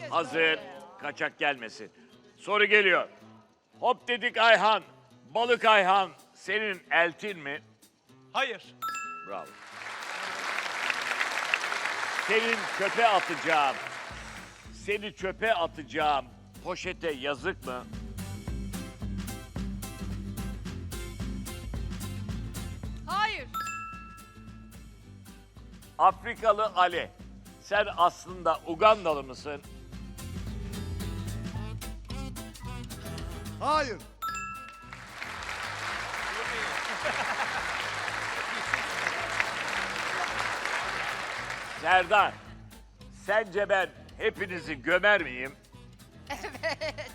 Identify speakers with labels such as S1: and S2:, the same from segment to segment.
S1: Hazır. Kaçak gelmesin. Soru geliyor. Hop dedik Ayhan. Balık Ayhan senin eltin mi?
S2: Hayır.
S1: Bravo. Senin çöpe atacağım. Seni çöpe atacağım. Poşete yazık mı?
S3: Hayır.
S1: Afrikalı Ali. Sen aslında Ugandalı mısın?
S4: Hayır.
S1: Serdar. Sence ben hepinizi gömer miyim?
S3: Evet.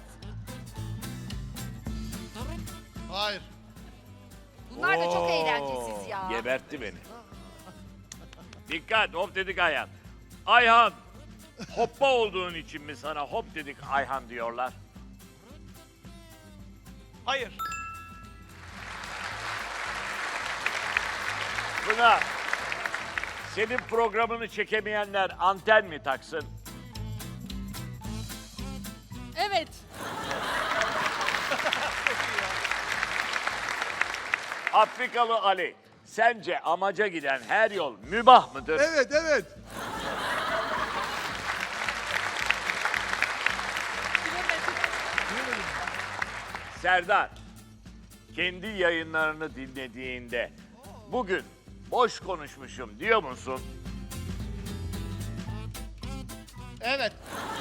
S4: Hayır.
S3: Bunlar da çok eğlencesiz ya.
S1: Gebertti beni. Dikkat, hop dedik Ayhan. Ayhan, hoppa olduğun için mi sana hop dedik Ayhan diyorlar?
S2: Hayır.
S1: Pınar, senin programını çekemeyenler anten mi taksın?
S3: Evet.
S1: Afrikalı Ali, sence amaca giden her yol mübah mıdır?
S4: Evet, evet.
S1: Serdar, kendi yayınlarını dinlediğinde bugün boş konuşmuşum diyor musun?
S4: Evet.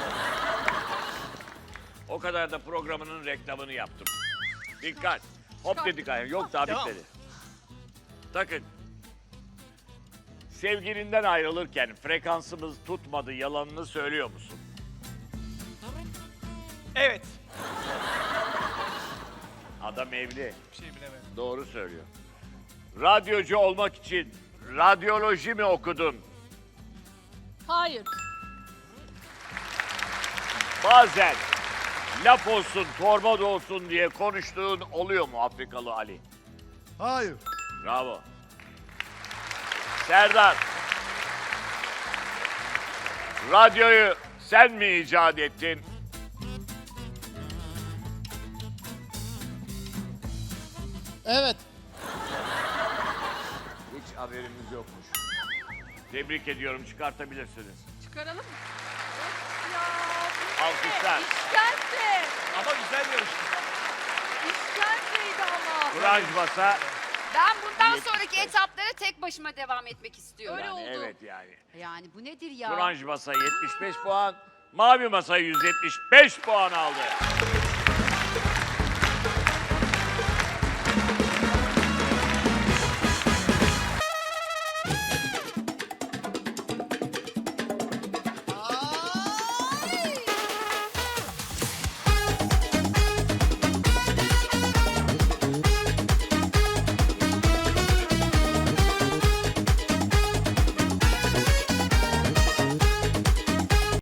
S1: O kadar da programının reklamını yaptım. Dikkat. Hop dedik Ayhan. Yok daha
S2: Devam.
S1: bitmedi. Takın. Sevgilinden ayrılırken frekansımız tutmadı yalanını söylüyor musun?
S2: Evet.
S1: Adam evli.
S2: Bir şey bilemedim.
S1: Doğru söylüyor. Radyocu olmak için radyoloji mi okudun?
S3: Hayır.
S1: Bazen laf olsun, torba da olsun diye konuştuğun oluyor mu Afrikalı Ali?
S4: Hayır.
S1: Bravo. Serdar. Radyoyu sen mi icat ettin?
S4: Evet.
S1: Hiç haberimiz yokmuş. Tebrik ediyorum, çıkartabilirsiniz.
S3: Çıkaralım mı? Of ya. bu ne?
S1: Alkışlar.
S3: İşkence.
S2: Ama güzel yarıştı.
S3: İşkenceydi ama.
S1: Kuraj basa.
S5: Ben bundan sonraki etaplara tek başıma devam etmek istiyorum.
S3: Öyle
S1: Yani
S3: oldu.
S1: evet yani.
S5: Yani bu nedir ya?
S1: Turanj masa 75 puan, mavi masa 175 puan aldı.